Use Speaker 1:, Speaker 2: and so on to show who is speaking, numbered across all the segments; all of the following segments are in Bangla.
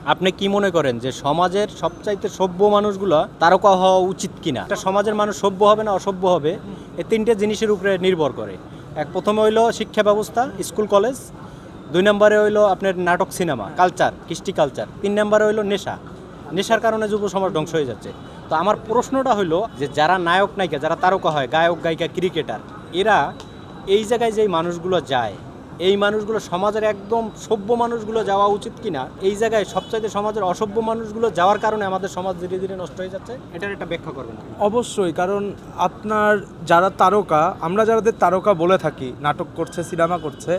Speaker 1: আপনি কি মনে করেন যে সমাজের সবচাইতে সভ্য মানুষগুলো তারকা হওয়া উচিত কিনা? একটা সমাজের মানুষ সভ্য হবে না অসভ্য হবে, এই তিনটে জিনিসের উপরে নির্ভর করে। প্রথমে হইলো শিক্ষা ব্যবস্থা, স্কুল কলেজ। 2 নম্বরে হইলো আপনার নাটক সিনেমা কালচার, কৃষ্টি কালচার। 3 নম্বরে হইলো নেশা। নেশার কারণে যুব সমাজ ধ্বংস হয়ে যাচ্ছে। তো আমার প্রশ্নটা হইলো যে যারা নায়ক নায়িকা, যারা তারকা হয়, গায়ক গায়িকা, ক্রিকেটার, এরা এই জায়গায় যেই মানুষগুলো যায়, এই মানুষগুলো সমাজের একদম সভ্য মানুষগুলো যাওয়া উচিত কিনা? এই জায়গায় সবচাইতে সমাজের অসভ্য মানুষগুলো যাওয়ার কারণে আমাদের সমাজ ধীরে ধীরে নষ্ট হয়ে যাচ্ছে। এটার একটা ব্যাখ্যা করবেন?
Speaker 2: অবশ্যই, কারণ আপনার যারা তারকা, আমরা যাদের তারকা বলে থাকি, নাটক করছে, সিনেমা করছে,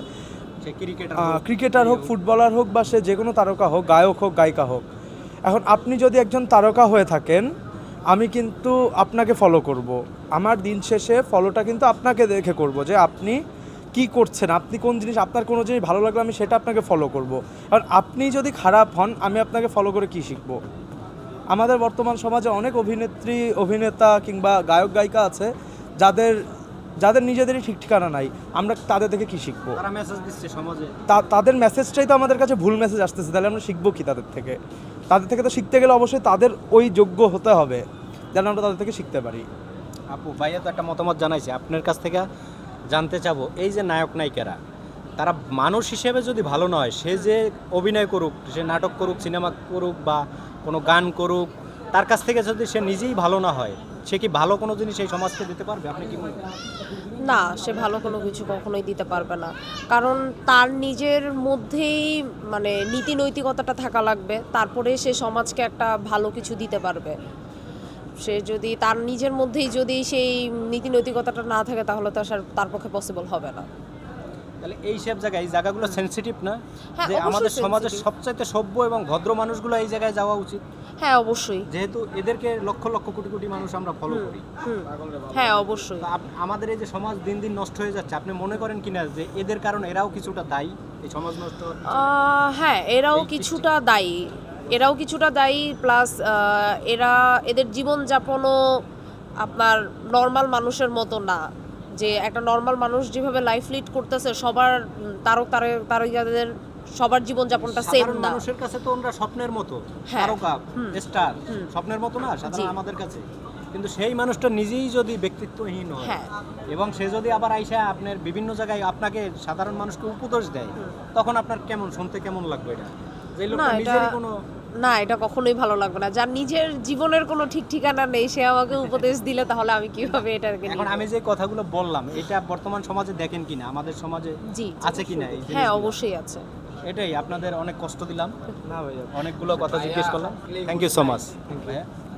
Speaker 2: ক্রিকেটার হোক, ফুটবলার হোক, বা সে যে কোনো তারকা হোক, গায়ক হোক, গায়িকা হোক, এখন আপনি যদি একজন তারকা হয়ে থাকেন, আমি কিন্তু আপনাকে ফলো করব। আমার দিন শেষে ফলোটা কিন্তু আপনাকে দেখে করব যে আপনি কি করছেন, আপনি কোন জিনিস, আপনার কোনো জিনিস ভালো লাগলে আমি সেটা আপনাকে ফলো করব। কারণ আপনি যদি খারাপ হন, আমি আপনাকে ফলো করে কি শিখব? আমাদের বর্তমান সমাজে অনেক অভিনেত্রী, অভিনেতা কিংবা গায়ক গায়িকা আছে যাদের যাদের নিজেদেরই ঠিক ঠিকানা নাই, আমরা তাদের দেখে কি শিখবো?
Speaker 1: তারা মেসেজ দিচ্ছে সমাজে,
Speaker 2: তাদের মেসেজটাই তো আমাদের কাছে ভুল মেসেজ আসতেছে, তাহলে আমরা শিখবো কি তাদের থেকে? তাদের থেকে তো শিখতে গেলে অবশ্যই তাদের ওই যোগ্য হতে হবে যেন আমরা তাদের থেকে শিখতে পারি।
Speaker 1: আপু ভাইয়া তো একটা মতামত জানাইছে, আপনার কাছ থেকে জানতে চাবো, এই যে নায়ক নায়িকারা, তারা মানুষ হিসেবে যদি ভালো নয়, সে যে অভিনয় করুক, সে নাটক করুক, সিনেমা করুক বা কোনো গান করুক, তার কাছ থেকে যদি সে নিজেই ভালো না হয়, সে কি ভালো কোনো জিনিস এই সমাজকে দিতে পারবে? আপনি কি মনে করেন?
Speaker 3: না, সে ভালো কোনো কিছু কখনোই দিতে পারবে না। কারণ তার নিজের মধ্যেই মানে নীতি নৈতিকতাটা থাকা লাগবে, তারপরে সে সমাজকে একটা ভালো কিছু দিতে পারবে। সে যদি তার নিজের মধ্যেই যদি সেই নীতি নৈতিকতাটা না থাকে, তাহলে তো তার পক্ষে পসিবল হবে না।
Speaker 1: তাহলে এই সব জায়গায়, এই জায়গাগুলো সেনসিটিভ না,
Speaker 3: হ্যাঁ,
Speaker 1: যে
Speaker 3: অবশ্যই
Speaker 1: আমাদের সমাজের
Speaker 3: sensitive।
Speaker 1: সবচাইতে সভ্য এবং ভদ্র মানুষগুলো এই জায়গায় যাওয়া উচিত,
Speaker 3: হ্যাঁ অবশ্যই।
Speaker 1: যেহেতু এদেরকে লক্ষ লক্ষ কোটি কোটি মানুষ আমরা ফলো করি।
Speaker 3: হ্যাঁ অবশ্যই।
Speaker 1: তো আমাদের এই যে সমাজ দিন দিন নষ্ট হয়ে যাচ্ছে, আপনি মনে করেন কিনা যে এদের কারণে এরাও কিছুটা দায়ী এই সমাজ নষ্ট হওয়ার পিছনে?
Speaker 3: হ্যাঁ, এরাও কিছুটা দায়ী, এরাও কিছুটা দায়ী। প্লাস এদের জীবনযাপনও আপনার নর্মাল মানুষের মতো না। যে একটা নর্মাল মানুষ যেভাবে লাইফ লিড করতেছে, সবার তারকাদের সবার জীবনযাপনটা সেম
Speaker 1: সাধারণ
Speaker 3: না।
Speaker 1: মানুষের কাছে তো আমরা স্বপ্নের মতো,
Speaker 3: হ্যাঁ।
Speaker 1: তারকা, স্টার, স্বপ্নের মতো না সাধারণ আমাদের কাছে। কিন্তু সেই মানুষটা নিজেই যদি ব্যক্তিত্বহীন হয়,
Speaker 3: হ্যাঁ।
Speaker 1: এবং সে যদি আবার আইসা আপনার বিভিন্ন জায়গায় আপনাকে সাধারণ মানুষকে উপদেশ দেয়, তখন আপনার কেমন শুনতে কেমন লাগবে? এটা যে লোকটা নিজেরই কোনো,
Speaker 3: না, এটা কখনোই ভালো লাগবে না। যার নিজের জীবনের কোনো ঠিক ঠিকানা নেই, সে আমাকে উপদেশ দিলে তাহলে আমি কিভাবে এটাকে
Speaker 1: এখন
Speaker 3: নিব?
Speaker 1: আমি যে কথাগুলো বললাম, এটা বর্তমান সমাজে দেখেন কিনা, আমাদের সমাজে
Speaker 3: জি,
Speaker 1: আছে কিনা এই
Speaker 3: হ্যাঁ
Speaker 1: জিনিসগুলো?
Speaker 3: অবশ্যই আছে।
Speaker 1: এটাই, আপনাদের অনেক কষ্ট দিলাম,
Speaker 2: না ভাইয়া,
Speaker 1: অনেকগুলো কথা জিজ্ঞেস করলাম। থ্যাংক ইউ সো মাচ ভাইয়া।